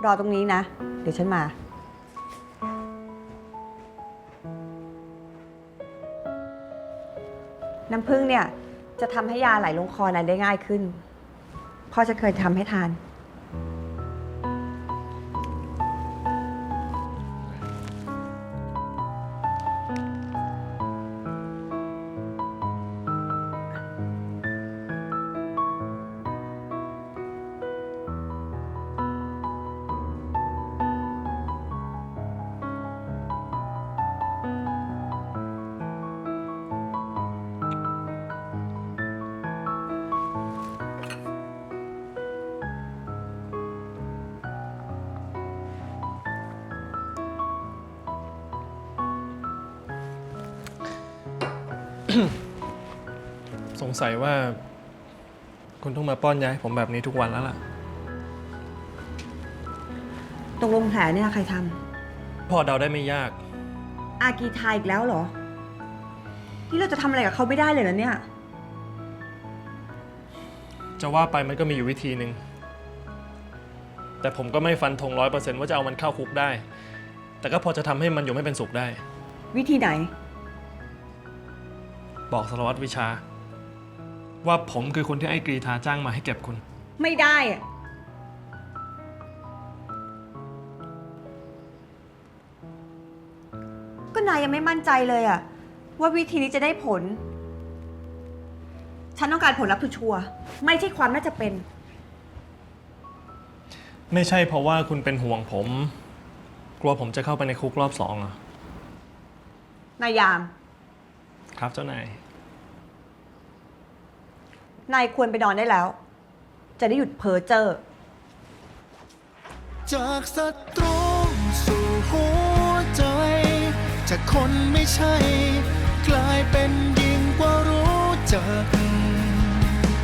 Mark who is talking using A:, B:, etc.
A: รอตรงนี้นะ เดี๋ยวฉันมา น้ำผึ้งเนี่ยจะทำให้ยาไหลลงคอนายได้ง่ายขึ้นพ่อจะเคยทำให้ทาน
B: สงสัยว่าคุณต้องมาป้อนยาให้ผมแบบนี้ทุกวันแล้วล่ะ
A: ตรงลงแผลเนี่ยใครท
B: พอเดาได้ไม่ยาก
A: ำอากีทายอีกแล้วเหรอ ที่เราจะทำอะไรกับเขาไม่ได้เลยนะเนี่ย
B: จะว่าไปมันก็มีอยู่วิธีหนึ่ง แต่ผมก็ไม่ฟันธง100%ว่าจะเอามันเข้าคุกได้ แต่ก็พอจะทำให้มันอยู่ไม่เป็นสุขได้
A: วิธีไหน
B: บอกสารวัตรวิชา ว่าผมคือคนที่ไอ้กรีธาจ้างมาให้เก็บคุณ
A: ไม่ได้อะก็นายยังไม่มั่นใจเลยอะว่าวิธีนี้จะได้ผล ฉันต้องการผลลัพธ์ชัวร์ๆไม่ใช่ความน่าจะเป็น
B: ไม่ใช่เพราะว่าคุณเป็นห่วงผม กลัวผมจะเข้าไปในคุกรอบ2เหรอ
A: นายยาม
B: ครับเจ้านาย
A: นายควรไปนอนได้แล้ว จะได้หยุดเพ้อเจ้อ
C: จากศัตรูสู่หัวใจ จากคนไม่ใช่ กลายเป็นดี